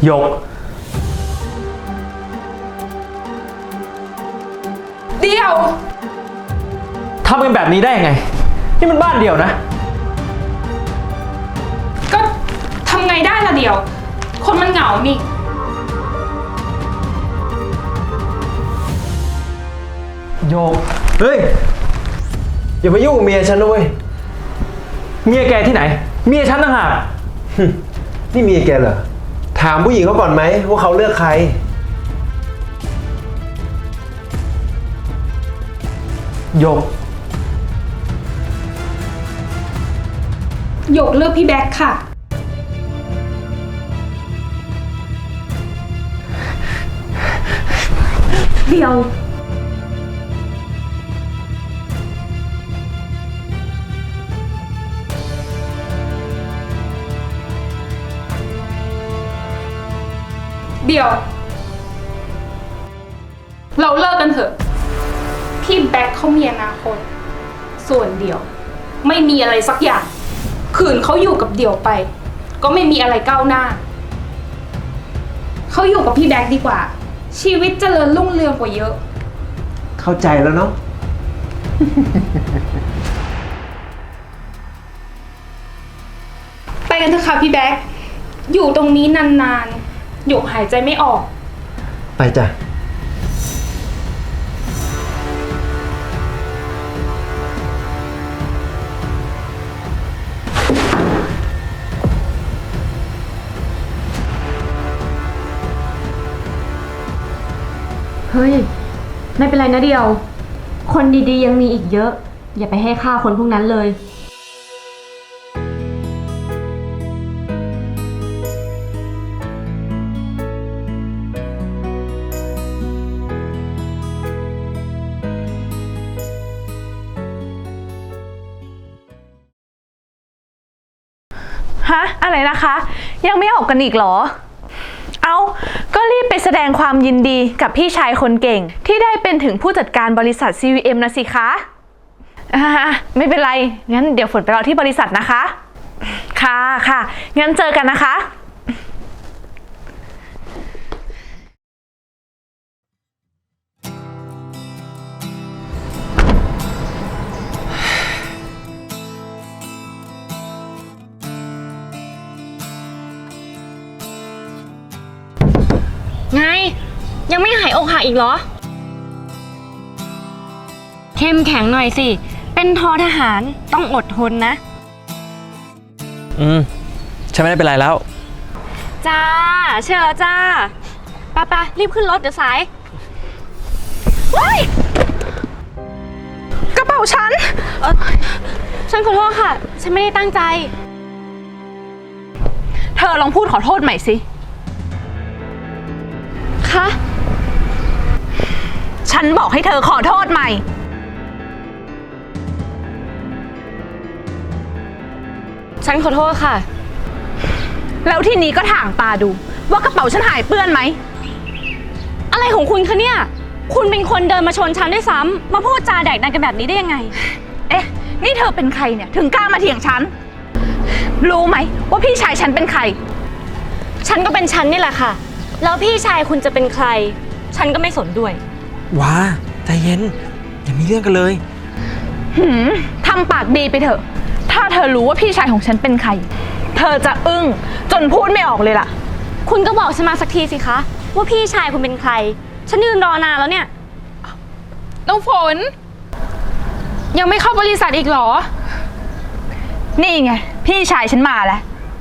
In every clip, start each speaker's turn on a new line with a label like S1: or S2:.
S1: หยก
S2: เดียว
S1: ทำกันแบบนี้ได้ยังไงนี่มันบ้านเดียวนะ
S2: ก็ทำไงได้ล่ะเดียว คนมันเหงานี่
S1: โยก
S3: เฮ้ยอย่ามายุ่งกับเมียฉันนะเว้ย
S1: เมียแกที่ไหนเมียฉันต่างหาก
S3: นี่เมียแกเหรอถามผู้หญิงเขาก่อนไหมว่าเขาเลือกใคร
S1: โยก
S2: หยกเลือกพี่แบ็คค่ะเดียวเดี๋ยวเราเลิกกันเถอะพี่แบ็คเขามีอนาคตส่วนเดี่ยวไม่มีอะไรสักอย่างขืนเขาอยู่กับเดี่ยวไปก็ไม่มีอะไรก้าวหน้าเขาอยู่กับพี่แบ็คดีกว่าชีวิตเจริญรุ่งเรืองกว่าเยอะ
S3: เข้าใจแล้วเนาะ
S2: ไปกันเถอะค่ะพี่แบ็คอยู่ตรงนี้นานๆหยกหายใจไม่ออก
S3: ไปจ้ะ
S4: เฮ้ยไม่เป็นไรนะเดียวคนดีๆยังมีอีกเยอะอย่าไปให้ค่าคนพวกนั้นเลย
S5: ฮะอะไรนะคะยังไม่ออกกันอีกเหรอเอาก็รีบไปแสดงความยินดีกับพี่ชายคนเก่งที่ได้เป็นถึงผู้จัดการบริษัท CVM นะสิคะไม่เป็นไรงั้นเดี๋ยวฝนไปรอที่บริษัทนะคะค่ะค่ะงั้นเจอกันนะคะ
S4: ไงยังไม่หายอกหักอีกเหรอเข้มแข็งหน่อยสิเป็นททหารต้องอดทนนะ
S1: ฉันไม่ได้เป็นไรแล้ว
S4: จ้าเชื่อแล้วจ้าไปรีบขึ้นรถเดี๋ยวสายว้าย
S5: กระเป๋าฉัน
S4: ฉันขอโทษค่ะฉันไม่ได้ตั้งใจ
S5: เธอลองพูดขอโทษใหม่สิ
S4: คะ
S5: ฉันบอกให้เธอขอโทษใหม่
S4: ฉันขอโทษค่ะ
S5: แล้วทีนี้ก็ถางตาดูว่ากระเป๋าฉันหายเปื้อนไหม
S4: อะไรของคุณคะเนี่ยคุณเป็นคนเดินมาชนฉันด้วยซ้ำมาพูดจาแดกดันกันแบบนี้ได้ยังไง
S5: เอ๊ะนี่เธอเป็นใครเนี่ยถึงกล้ามาเถียงฉันรู้ไหมว่าพี่ชายฉันเป็นใคร
S4: ฉันก็เป็นฉันนี่แหละค่ะแล้วพี่ชายคุณจะเป็นใครฉันก็ไม่สนด้วย
S1: ว้าใจเย็นอย่ามีเรื่องกันเลย
S5: ทำปากดีไปเถอะถ้าเธอรู้ว่าพี่ชายของฉันเป็นใครเธอจะอึ้งจนพูดไม่ออกเลยล่ะ
S4: คุณก็บอกฉันมาสักทีสิคะว่าพี่ชายคุณเป็นใครฉันยืนรอนานแล้วเนี่ย
S2: น้องฝนยังไม่เข้าบริษัทอีกเหรอ
S5: นี่ไงพี่ชายฉันมาแล้ว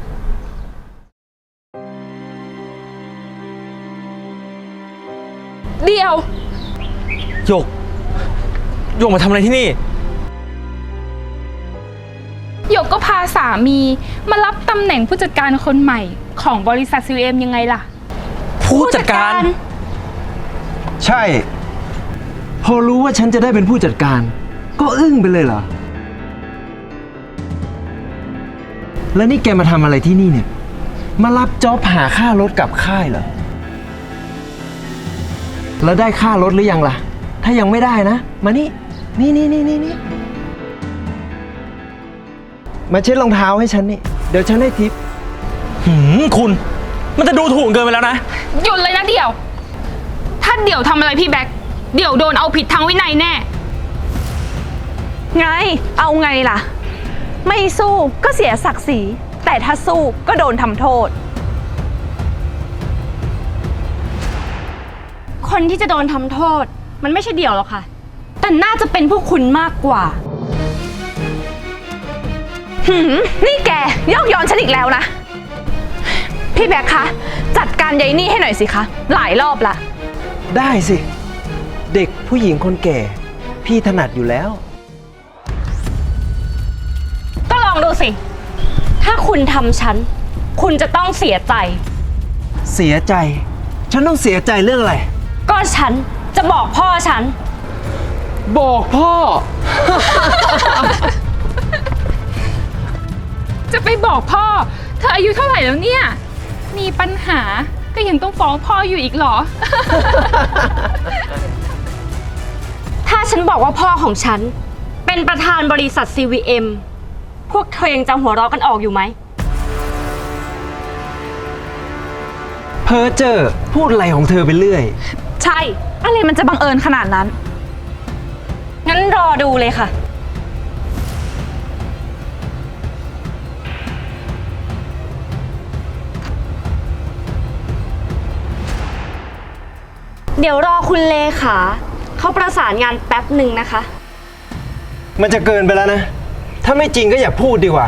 S2: เดียว
S1: โยกมาทำอะไรที่นี่
S2: หยกก็พาสามีมารับตำแหน่งผู้จัดการคนใหม่ของบริษัท CVM ยังไงล่ะ
S1: ผู้จัดการ
S3: ใช่พอรู้ว่าฉันจะได้เป็นผู้จัดการก็อึ้งไปเลยเหรอแล้วนี่แกมาทำอะไรที่นี่เนี่ยมารับจ็อบหาค่ารถกลับค่ายเหรอแล้วได้ค่ารถหรือยังล่ะถ้ายังไม่ได้นะมานี่มาเช็ดรองเท้าให้ฉันนี่เดี๋ยวฉันให้ทิป
S1: คุณมันจะดูถูกเกินไปแล้วนะ
S2: หยุดเลยนะเดี่ยว ถ้าเดี่ยวทำอะไรพี่แบ็คเดี่ยวโดนเอาผิดทางวินัยแน่
S5: ไง เอาไงล่ะ ไม่สู้ก็เสียศักดิ์ศรี แต่ถ้าสู้ก็โดนทำโทษ
S4: คนที่จะโดนทำโทษ มันไม่ใช่เดี่ยวหรอกค่ะ แต่น่าจะเป็นพวกคุณมากกว่า
S5: นี่แกยอกย้อนฉันอีกแล้วนะ พี่แบ็คคะ จัดการยายนี่ให้หน่อยสิคะ หลายรอบละ
S3: ได้สิ เด็กผู้หญิงคนแก่ พี่ถนัดอยู่แล้ว
S4: ก็ลองดูสิ ถ้าคุณทำฉัน คุณจะต้องเสียใจ
S3: เสียใจ ฉันต้องเสียใจเรื่องอะไร
S4: ก็ฉันจะบอกพ่อฉัน
S3: บอกพ่อ
S2: จะไปบอกพ่อ เธออายุเท่าไหร่แล้วเนี่ย มีปัญหาก็ยังต้องฟ้องพ่ออยู่อีกเหรอ
S4: ถ้าฉันบอกว่าพ่อของฉัน เป็นประธานบริษัท CVM พวกเธอยังจำหัวเราะกันออกอยู่ไหม
S3: เพอเจอพูดอะไรของเธอไปเรื่อย
S5: ใช่ อะไรมันจะบังเอิญขนาดนั้น
S4: งั้นรอดูเลยค่ะ เดี๋ยวรอคุณเลขาเขาประสานงานแป๊บหนึ่งนะคะ
S3: มันจะเกินไปแล้วนะ ถ้าไม่จริงก็อย่าพูดดีกว่า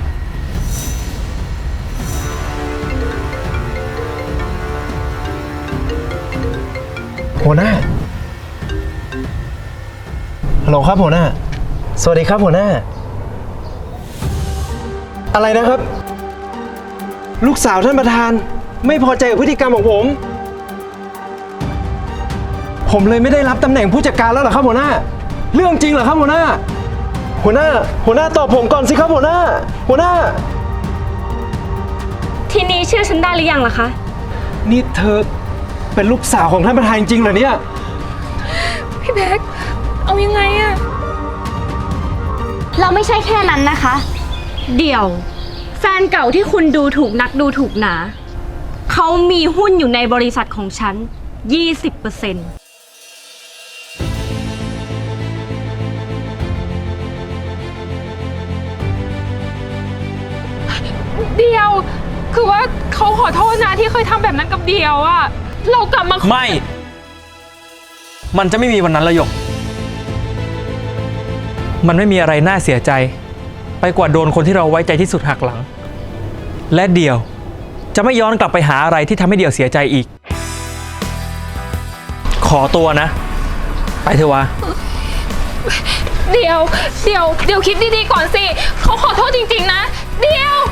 S3: หัวหน้า ฮัลโหลครับหัวหน้า สวัสดีครับหัวหน้า อะไรนะครับ ลูกสาวท่านประธานไม่พอใจกับพฤติกรรมของผม ผมเลยไม่ได้รับตำแหน่งผู้จัดการแล้วเหรอครับหัวหน้า เรื่องจริงเหรอครับหัวหน้า หัวหน้าตอบผมก่อนสิครับหัวหน้า
S4: ทีนี้เชื่อฉันได้หรือยังล่ะคะ
S3: นี่เธอเป็นลูกสาวของท่านประธานจริงเหรอเนี่ย
S2: พี่แบ็คเอายังไงอะ
S4: เราไม่ใช่แค่นั้นนะคะ เดี๋ยว แฟนเก่าที่คุณดูถูกนักดูถูกหนา เขามีหุ้นอยู่ในบริษัทของฉัน 20%
S2: เดียว คือว่าเขาขอโทษนะที่เคยทำแบบนั้นกับเดียวอะเรากลับมา
S1: ไม่ มันจะไม่มีวันนั้นละหยก มันไม่มีอะไรน่าเสียใจ ไปกว่าโดนคนที่เราไว้ใจที่สุดหักหลัง และเดี่ยวจะไม่ย้อนกลับไปหาอะไรที่ทำให้เดี่ยวเสียใจอีก ขอตัวนะ ไปเถอะวะ
S2: เดียวคิดดีๆก่อนสิเขาขอโทษจริงๆนะเดียว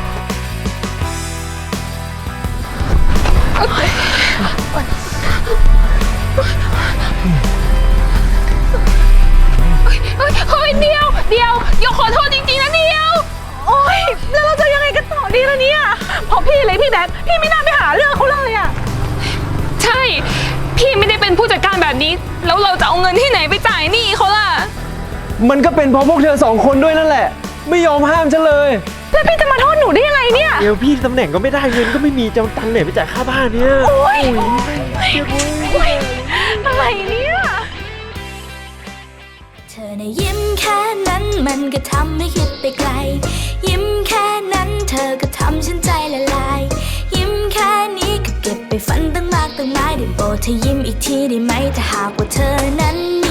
S2: เฮ้ยเดียวอย่าขอโทษจริงๆนะเดียว
S5: โอ๊ย แล้วเราจะยังไงกันต่อดีล่ะเนี่ยเพราะพี่เลยพี่แบ็คพี่ไม่น่าไปหาเรื่องเขาเลยอะ
S2: ใช่ พี่ไม่ได้เป็นผู้จัดการแบบนี้ แล้วเราจะเอาเงินที่ไหนไปจ่ายหนี้เขาล่ะ
S3: มันก็เป็นเพราะพวกเธอสองคนด้วยนั่นแหละ ไม่ยอมห้ามฉันเลย
S5: แล้วพี่จะมาโทษหนูได้ยังไงเนี่ย
S3: เดี๋ยวพี่ตำแหน่งก็ไม่ได้เงินก็ไม่มีจะเอาตังค์ไหนไปจ่ายค่าบ้านเนี่ย
S5: โอ๊ยอะไรเนี่ย
S6: เธอในะยิ้มแค่นั้นมันก็ทำให้คิดไปไกล ยิ้มแค่นั้นเธอก็ทำฉันใจละลาย ยิ้มแค่นี้ก็เก็บไปฝันตั้งมากตั้งหลายได้โปรดเธอยิ้มอีกทีได้ไหมถ้าหากว่าเธอนั้นมี